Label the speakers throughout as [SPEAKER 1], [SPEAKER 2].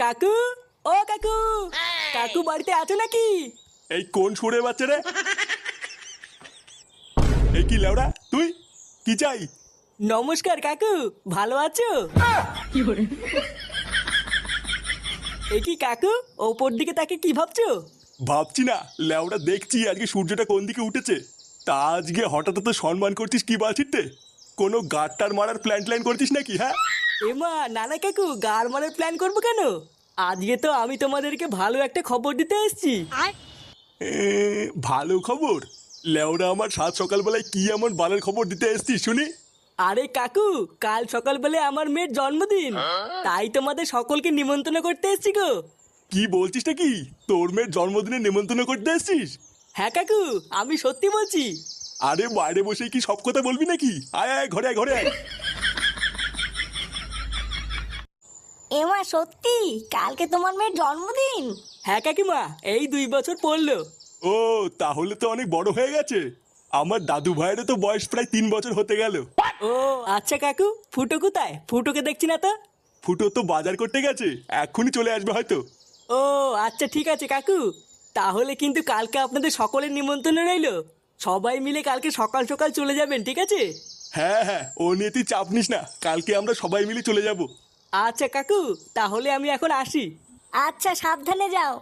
[SPEAKER 1] কাকু, ও কাকু, কাকু বাড়িতে আছো নাকি?
[SPEAKER 2] এই কোন সুরে বাচ্চা রে? এই কি লেওড়া তুই? কি চাই?
[SPEAKER 1] নমস্কার কাকু, ভালো আছো? এ কি কাকু, ওপর দিকে তাকে কি ভাবছো?
[SPEAKER 2] ভাবছি না লেওড়া, দেখছি আজকে সূর্যটা কোন দিকে উঠেছে। তা আজকে হঠাৎ তো সম্মান করছিস কি বাছিতে? কোনো গাড়টার মারার প্ল্যান করছিস নাকি? হ্যাঁ
[SPEAKER 1] এমা নানা কাকু, গার মারার প্ল্যান করবো কেন? আজকে তো আমি তোমাদেরকে ভালো একটা খবর দিতে এসেছি।
[SPEAKER 2] এ, ভালো খবর? লেওড়া, আমার সাত সকালবেলায় কি এমন বালের খবর দিতে এসছিস শুনি?
[SPEAKER 1] আরে কাকু, কাল সকালবেলায় আমার মেয়ের জন্মদিন, তাই তোমাদের সকলকে নিমন্ত্রণ করতে এসেছি গো।
[SPEAKER 2] কি বলছিস নাকি? তোর মেয়ের জন্মদিনে নেমন্তন্ন করতে এসছিস?
[SPEAKER 1] হ্যাঁ কাকু, আমি সত্যি বলছি।
[SPEAKER 2] আরে বাইরে বসে কি সব কথা বলবি নাকি? আয় আয়, ঘরে আয়, ঘরে আয়।
[SPEAKER 3] এমা সত্যি কালকে তোমার মেয়ের জন্মদিন?
[SPEAKER 1] হ্যাঁ কাকিমা, এই 2 বছর পড়লো।
[SPEAKER 2] ও, তাহলে তো অনেক বড় হয়ে গেছে। আমার দাদু ভাইয়েরও তো বয়স প্রায় 3 বছর হতে গেল।
[SPEAKER 1] ও আচ্ছা কাকু, ফুটো কোথায়? ফুটোকে দেখছি না তো।
[SPEAKER 2] ফুটো তো বাজার করতে গেছে, এক্ষুনি চলে আসবে হয়তো।
[SPEAKER 1] ও আচ্ছা ঠিক আছে কাকু, তাহলে কিন্তু কালকে আপনাদের সকলের নিমন্ত্রণ রইলো। সবাই মিলে কালকে সকাল সকাল চলে যাবেন, ঠিক আছে?
[SPEAKER 2] হ্যাঁ হ্যাঁ, ও নিয়ে তুই চাপ নিস না, কালকে আমরা সবাই মিলে চলে যাব।
[SPEAKER 1] আচ্ছা কাকু, তাহলে আমি এখন আসি।
[SPEAKER 3] আচ্ছা, সাবধানে যাও।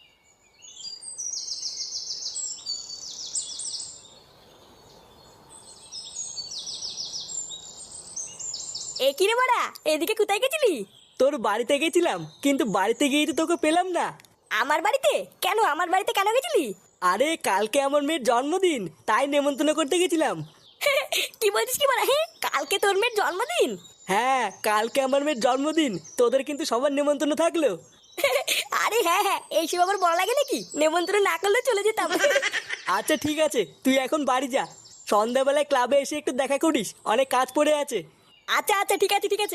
[SPEAKER 3] এ কি রে বড়া, এদিকে কোথায় গেছিলি?
[SPEAKER 1] তোর বাড়িতে গেছিলাম, কিন্তু বাড়িতে গিয়ে তো তোকে পেলাম না।
[SPEAKER 3] আমার বাড়িতে কেন? আমার বাড়িতে কেন গেছিলি?
[SPEAKER 1] আরে কালকে আমার মেয়ের জন্মদিন, তাই নেমন্তন্ন করতে গেছিলাম।
[SPEAKER 3] কি বলছিস কি বড়া? হ্যাঁ, কালকে তোর মেয়ের জন্মদিন?
[SPEAKER 1] হ্যাঁ, কালকে আমার মেয়ের জন্মদিন, তোদের কিন্তু সবার নেমন্তন্ন থাকলো।
[SPEAKER 3] আরে হ্যাঁ হ্যাঁ, এইসব আবার বড় লাগে নাকি? নেমন্ত্রণ না করলে চলে যেতাম।
[SPEAKER 1] আচ্ছা ঠিক আছে, তুই এখন বাড়ি যা। সন্ধ্যাবেলায় ক্লাবে এসে একটু দেখা করিস, অনেক কাজ পড়ে আছে।
[SPEAKER 3] আচ্ছা আচ্ছা, ঠিক আছে ঠিক আছে।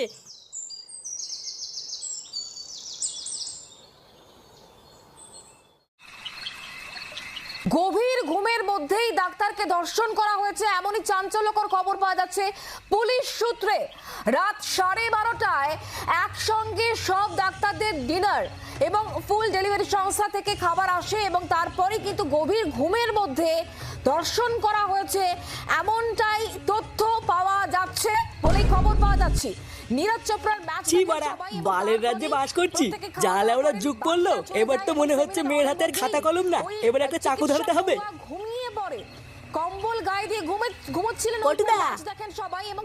[SPEAKER 4] গভীর ঘুমের মধ্যেই ডাক্তারকে ধর্ষণ করা হয়েছে, এমনই চাঞ্চল্যকর খবর পাওয়া যাচ্ছে পুলিশ সূত্রে। রাত 12:30টায় একসঙ্গে সব ডাক্তারদের ডিনার এবং ফুল ডেলিভারি সংস্থা থেকে খাবার আসে এবং তারপরে কিন্তু গভীর ঘুমের মধ্যে ধর্ষণ করা হয়েছে, এমনটাই তথ্য পাওয়া যাচ্ছে বলেই খবর পাওয়া যাচ্ছে। নীরজ চোপড়ার ম্যাচ
[SPEAKER 1] ছি বাড়া, বালের রাজ্যে বাস করছি। জালে ওরা যুগ পড়লো, এবার তো মনে হচ্ছে মেয়ের হাতের খাতা কলম না, এবার একটা চাকু ধরতে হবে।
[SPEAKER 4] ঘুমিয়ে পড়ে, কম্বল গায়ে দিয়ে ঘুমোচ্ছিলেন।
[SPEAKER 3] পটুদা!
[SPEAKER 4] দেখেন সবাই এবং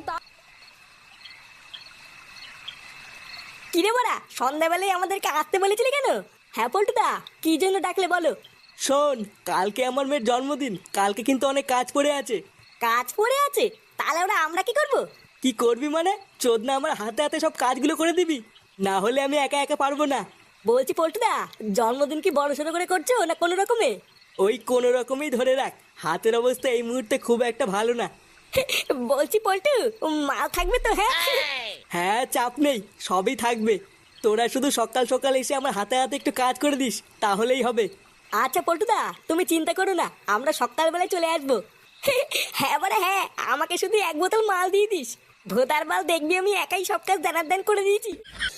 [SPEAKER 3] কি রে বড়া, সন্ধ্যাবেলায় আমাদেরকে আসতে বলেছিলি কেন? হ্যাঁ পল্টুদা, কি জন্য ডাকলে বলো?
[SPEAKER 1] শোন, কালকে আমার মেয়ের জন্মদিন, কালকে কিন্তু অনেক কাজ পড়ে আছে।
[SPEAKER 3] কাজ পড়ে আছে? তাহলে ওরা আমরা কি করব?
[SPEAKER 1] কি করবি মানে? চোদনা আমার হাতে হাতে সব কাজগুলো করে দিবি, না হলে আমি একা একা পারবো না।
[SPEAKER 3] বলছি পল্টুদা, জন্মদিন কি বড় সড়ো করে করছো না কোনো রকমে?
[SPEAKER 1] ওই কোনো রকমই ধরে রাখ, হাতের অবস্থা এই মুহূর্তে খুব একটা ভালো না।
[SPEAKER 3] বলছি পল্টু, মাল থাকবে তো? হ্যাঁ
[SPEAKER 1] হ্যাঁ, চাপ নেই, সবই থাকবে। তোরা শুধু সকাল সকাল এসে আমার হাতে হাতে একটু কাজ করে দিস, তাহলেই হবে।
[SPEAKER 3] আচ্ছা পল্টুদা, তুমি চিন্তা করো না, আমরা সকালবেলায় চলে আসবো। হ্যাঁ বড়া হ্যাঁ, আমাকে শুধু 1 বোতল মাল দিয়ে দিস। ভোদার মাল দেখবি আমি একাই সব কাজ দানার দান করে দিয়েছি।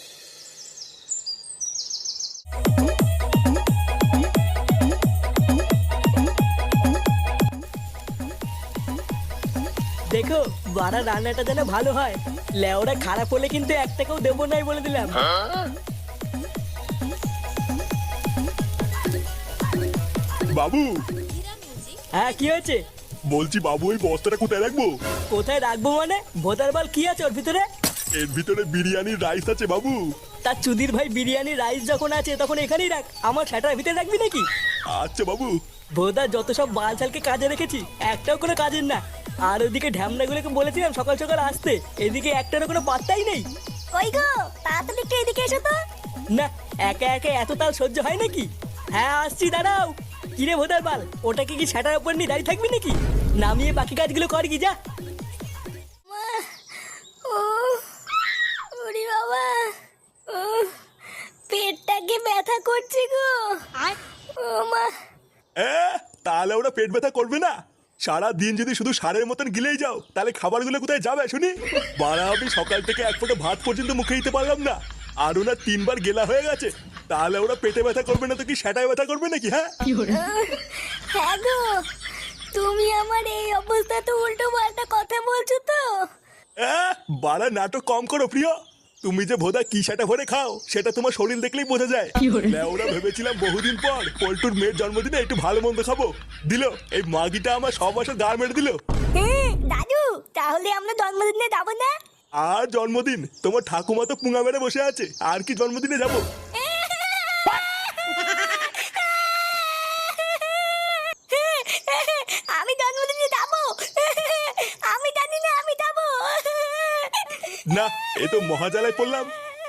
[SPEAKER 1] দেখো, বাড়া রান্নাটা যেন ভালো হয়। লেওরা খারাপ হলে কিন্তু 1 টাকাও দেবো নাই বলে দিলাম।
[SPEAKER 2] বাবু!
[SPEAKER 1] হ্যাঁ কি হয়েছে?
[SPEAKER 2] বলছি বাবু, ওই বস্তাটা কোথায় রাখবো?
[SPEAKER 1] কোথায় রাখবো মানে? ভোটার বাল কি আছে ওর ভিতরে?
[SPEAKER 2] এর ভিতরে বিরিয়ানির রাইস আছে বাবু।
[SPEAKER 1] তার চুদির ভাই, বিরিয়ানি রাইস যখন আছে তখন এখানেই রাখ, আমার সেটার ভিতরে রাখবি নাকি?
[SPEAKER 2] আচ্ছা বাবু।
[SPEAKER 1] ভোদা যত সব বালছালকে কাজে রেখেছি, একটাও কোনো কাজের না। আর ওদিকে ঢ্যামনাগুলোকে বলেছিলাম সকাল সকাল আসতে, এদিকে একটারও কোনো পাত্তাই নেই।
[SPEAKER 3] কই গো, তাড়াতাড়ি একটু এদিকে এসো তো।
[SPEAKER 1] না, একা একা এত তাল সহ্য হয় নাকি? হ্যাঁ আসছি, দাঁড়াও। কিরে ভোদার বাল, ওটাকে কি সেটার উপর নিয়ে দাঁড়িয়ে থাকবি নাকি? নামিয়ে বাকি কাজগুলো কর কি, যা।
[SPEAKER 3] ও ওরে বাবা, ও পেটটাকে ব্যথা করছে গো। ও মা।
[SPEAKER 2] তাহলে ওরা পেট ব্যথা করবে না? সারা দিন যদি শুধু সারের মতন গিলেই যাও, তাহলে খাবারগুলো কোথায় যাবে শুনি? বাড়া, আমি সকাল থেকে এক ফোঁটা ভাত পর্যন্ত মুখে দিতে পারলাম না। আর ওনার 3বার গেলা হয়ে গেছে, তাহলে ওরা পেটে ব্যথা করবে না তো কি সেটাই ব্যথা করবে নাকি? হ্যাঁ
[SPEAKER 3] হ্যাঁ গো, তুমি আমার এই অবস্থা তো উল্টো পাল্টা কথা বলছো তো।
[SPEAKER 2] বাড়া নাটক কম করো প্রিয়। তুমি যে ভোদা কি সেটা ভরে খাও সেটা তোমার শরীর দেখলেই বোঝা যায়। ওরা ভেবেছিলাম বহুদিন পর পল্টুর মেয়ের জন্মদিনে একটু ভালো মন্দ খাবো, দিল এই মাগিটা আমার সব বছর গা মেরে দিল।
[SPEAKER 3] দাদু, তাহলে আমরা জন্মদিনে যাবো না?
[SPEAKER 2] আর জন্মদিন? তোমার ঠাকুমা তো পুঙা মেরে বসে আছে, আর কি জন্মদিনে যাবো?
[SPEAKER 3] আমি জন্মদিনে যাবো, আমি জানি না আমি যাবো।
[SPEAKER 2] না, এ তো মহাজালায় পড়লাম।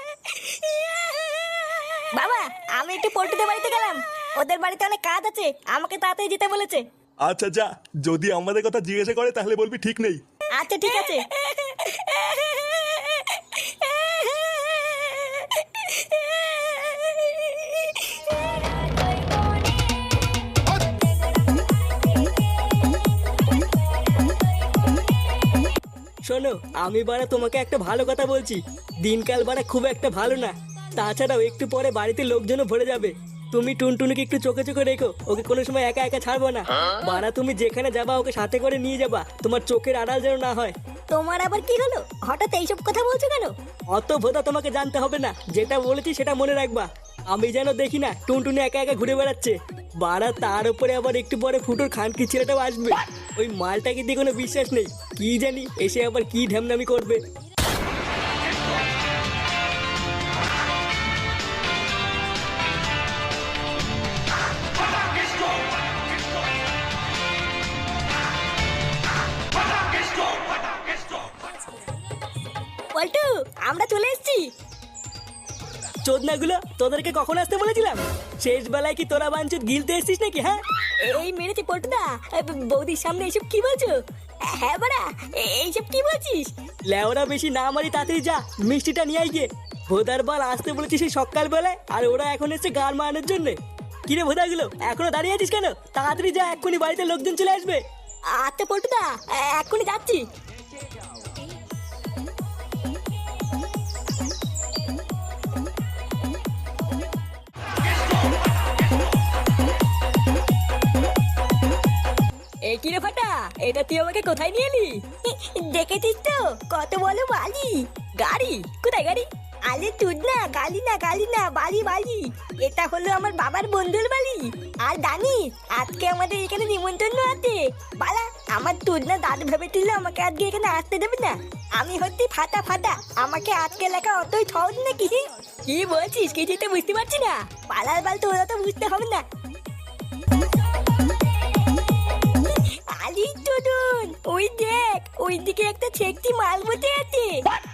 [SPEAKER 3] বাবা, আমি একটু পল্টুদের বাড়িতে গেলাম, ওদের বাড়িতে অনেক কাজ আছে, আমাকে তাড়াতাড়ি যেতে বলেছে।
[SPEAKER 2] আচ্ছা যা, যদি আমাদের কথা জিজ্ঞাসা করে তাহলে বলবি ঠিক নেই।
[SPEAKER 3] আচ্ছা ঠিক আছে।
[SPEAKER 1] শোনো, আমি বাড়া তোমাকে একটা ভালো কথা বলছি, দিনকাল বাড়া খুব একটা ভালো না। তাছাড়াও একটু পরে বাড়িতে লোকজনও ভরে যাবে। তুমি টুনটুনিকে একটু চোখে চোখে রেখো, ওকে কোনো সময় একা একা ছাড়বো না। বাড়া তুমি যেখানে যাবা ওকে সাথে করে নিয়ে যাবা, তোমার চোখের আড়াল যেন না হয়।
[SPEAKER 3] তোমার আবার কি হলো, হঠাৎ এইসব কথা বলছো কেন?
[SPEAKER 1] অত ভোদা তোমাকে জানতে হবে না, যেটা বলেছি সেটা মনে রাখবা। আমি যেন দেখি না টুনটুনি একা একা ঘুরে বেড়াচ্ছে। বাড়া তার উপরে আবার একটু পরে ফুটোর খানকি ছেলেটাও আসবে। ওই মালটাকে দিয়ে কোনো বিশ্বাস নেই, কি জানি এসে আবার কি ঢ্যামনামি করবে।
[SPEAKER 3] পল্টু, আমরা চলে এসেছি।
[SPEAKER 1] চোদনাগুলো, তোদেরকে কখন আসতে বলেছিলাম? শেষ বেলায় কি তোরা বাঞ্চুত গিলতে এসেছিস নাকি? হ্যাঁ
[SPEAKER 3] এই মেরেছে পল্টুদা, বৌদির সামনে এইসব কি বলছো? হ্যাঁ বাড়া, এইসব কি বলছিস?
[SPEAKER 1] লেওরা বেশি না মারি, তাড়াতাড়ি যা মিষ্টিটা নিয়ে আই গিয়ে। ভোদার বাল আসতে বলেছিস সেই সকাল বেলায়, আর ওরা এখন এসছে গান মারানোর জন্য। কিরে ভোদাগুলো, এখনো দাঁড়িয়ে আছিস কেন? তাড়াতাড়ি যা, এক্ষুনি বাড়িতে লোকজন চলে আসবে।
[SPEAKER 3] আচ্ছা পল্টুদা, এক্ষুনি যাচ্ছি।
[SPEAKER 1] এই কিরে ফাটা, এটা তুই আমাকে কোথায় নিয়ে এলি?
[SPEAKER 3] দেখেছিস তো কত বলো বালি।
[SPEAKER 1] গাড়ি? কোথায় গাড়ি?
[SPEAKER 3] আরে তুই না, গালি না গালি না, বালি বালি। এটা হলো আমার বাবার বন্ধুর বাড়ি। আর জানিস আজকে আমাদের এখানে নিমন্ত্রণ আছে। বালা, আমার তুই না দাদু ভেবেছিল আমাকে আজকে এখানে আসতে দেবে না। আমি হচ্ছি ফাটা ফাটা, আমাকে আজকে লেখা অতই সহজ নাকি?
[SPEAKER 1] কি বলছিস, কিছুই তো বুঝতে পারছি না।
[SPEAKER 3] পালার বাল তোরা তো বুঝতে হবে না। আলি টুডুন, ওই দেখ, ওই দিকে একটা ছেকটি মাল বসে আছে।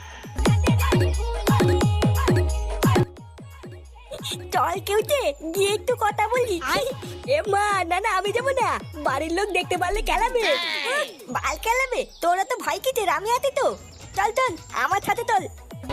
[SPEAKER 3] চল কেউতে গিয়ে একটু কথা বলি।
[SPEAKER 1] এ মা, না না আমি যাবো না, বাড়ির লোক দেখতে পারলে কেলাবে।
[SPEAKER 3] বাল খেলাবে? তোরা তো ভয় কিসের, আমি আছি তো। চল চল আমার সাথে চল।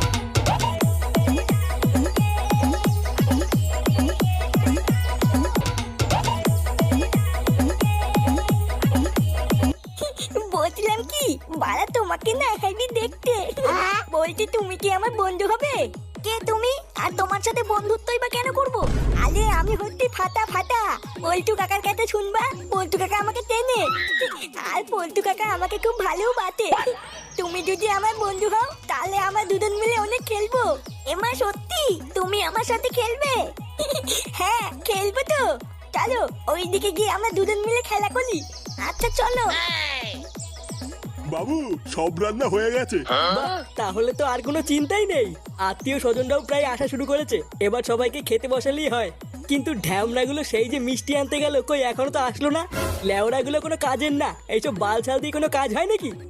[SPEAKER 3] বলছিলাম কি, বাড়া তোমাকে না একাই দেখতে। বলছি তুমি কি আমার বন্ধু হবে? কে তুমি? আর তোমার সাথে বন্ধুত্বই বা কেন করবো? আরে আমি হচ্ছি ফাটা ফাটা, পল্টু কাকার কাছে শুনবা, পল্টু কাকা আমাকে চেনে। আর পল্টু কাকা আমাকে খুব ভালো বাতে। তুমি যদি আমার বন্ধু হও তাহলে আমরা দুজন মিলে অনেক খেলবো। এমা সত্যি তুমি আমার সাথে খেলবে? হ্যাঁ খেলবো তো। চলো ওইদিকে গিয়ে আমরা দুজন মিলে খেলা করি। আচ্ছা চলো।
[SPEAKER 2] বাবু, সব রান্না হয়ে গেছে।
[SPEAKER 1] বাহ, তাহলে তো আর কোনো চিন্তাই নেই। আত্মীয় স্বজনরাও প্রায় আসা শুরু করেছে, এবার সবাইকে খেতে বসালেই হয়। কিন্তু ঢ্যামনাগুলো সেই যে মিষ্টি আনতে গেল, কই এখনো তো আসলো না। লেওড়াগুলো কোনো কাজের না, এইসব বাল ছাল দিয়ে কোনো কাজ হয় নাকি?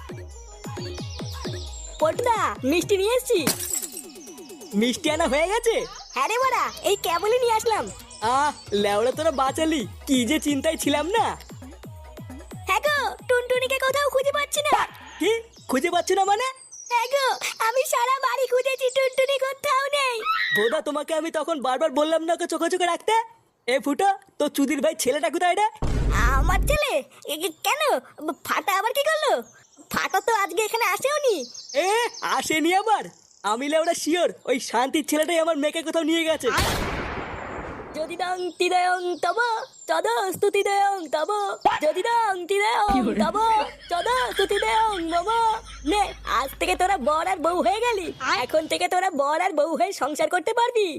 [SPEAKER 3] পল্টুদা, মিষ্টি নিয়ে এসছি।
[SPEAKER 1] মিষ্টি আনা হয়ে গেছে?
[SPEAKER 3] হ্যাঁ রে বাড়া, এই কেবলই নিয়ে আসলাম।
[SPEAKER 1] লেওড়া তোরা বাঁচালি, কি যে চিন্তায় ছিলাম না।
[SPEAKER 3] হ্যাঁ গো, টুনটুনিকে কোথাও খুঁজে পাচ্ছি না।
[SPEAKER 1] কি খুঁজে পাচ্ছ না মানে?
[SPEAKER 3] হ্যাঁ গো, আমি সারা বাড়ি খুঁজেছি, টুনটুনি কোথাও নেই।
[SPEAKER 1] বোধা তোমাকে আমি তখন বারবার বললাম না ওকে চোখে চোখে রাখতে। এ ফুটো, তো চুদির ভাই ছেলেটা কোথায় রে?
[SPEAKER 3] আমার ছেলে? কেন, ফাটা আবার কি করলো? ফাটা তো আজকে এখানে আসেওনি।
[SPEAKER 1] আসেনি আবার? আমি লেওরা শিওর ওই শান্তির ছেলেটাই আমার মেয়েকে কোথাও নিয়ে গেছে।
[SPEAKER 3] যদি দং তিদয়ং তব তদ স্তুতি দেয়ং তব যদি দং তিদয়ং তব তদ স্তুতি দেয়ং মম। নে আজ থেকে তোরা বর আর বউ হয়ে গেলি, এখন থেকে তোরা বর আর বউ হয়ে সংসার করতে পারবি।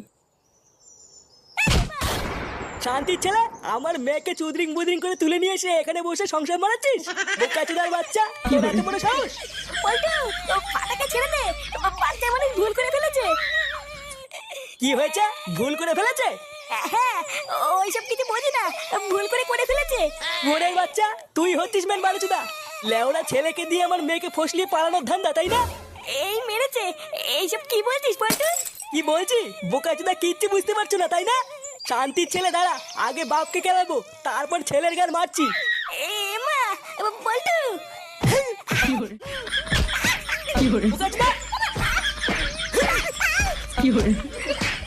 [SPEAKER 1] শান্তির ছেলে আমার মেয়েকে চুদরিং বুদরিং করে তুলে নিয়ে এসে এখানে বসে সংসার মারাচ্ছিস? বোকাচোদার বাচ্চা, তোর এত বড় সাহস!
[SPEAKER 3] পল্টু ও ফাটাকে ছেড়ে দে, বাচ্চা মানে ভুল করে ফেলেছে।
[SPEAKER 1] কি হয়েছে? ভুল করে ফেলেছে?
[SPEAKER 3] হ্যাঁ ওইসব কিছু বুঝি না, ভুল করে ফেলেছে।
[SPEAKER 1] ওরের বাচ্চা, তুই হচ্ছিস মেন বালুচুদা। লেওড়া ছেলেকে দিয়ে আমার মেয়েকে ফসলিয়ে পালানোর ধান্দা, তাই না?
[SPEAKER 3] এই মেরেছে, এইসব কি বলছিস পল্টু?
[SPEAKER 1] কি বলছি? বোকাচোদা কিচ্ছু বুঝতে পারছো না, তাই না? শান্তির ছেলে দাঁড়া, আগে বাপকে কেলাবো, তারপর ছেলের গান মারছি।
[SPEAKER 3] এ মা পল্টু
[SPEAKER 1] বোকাচোদা!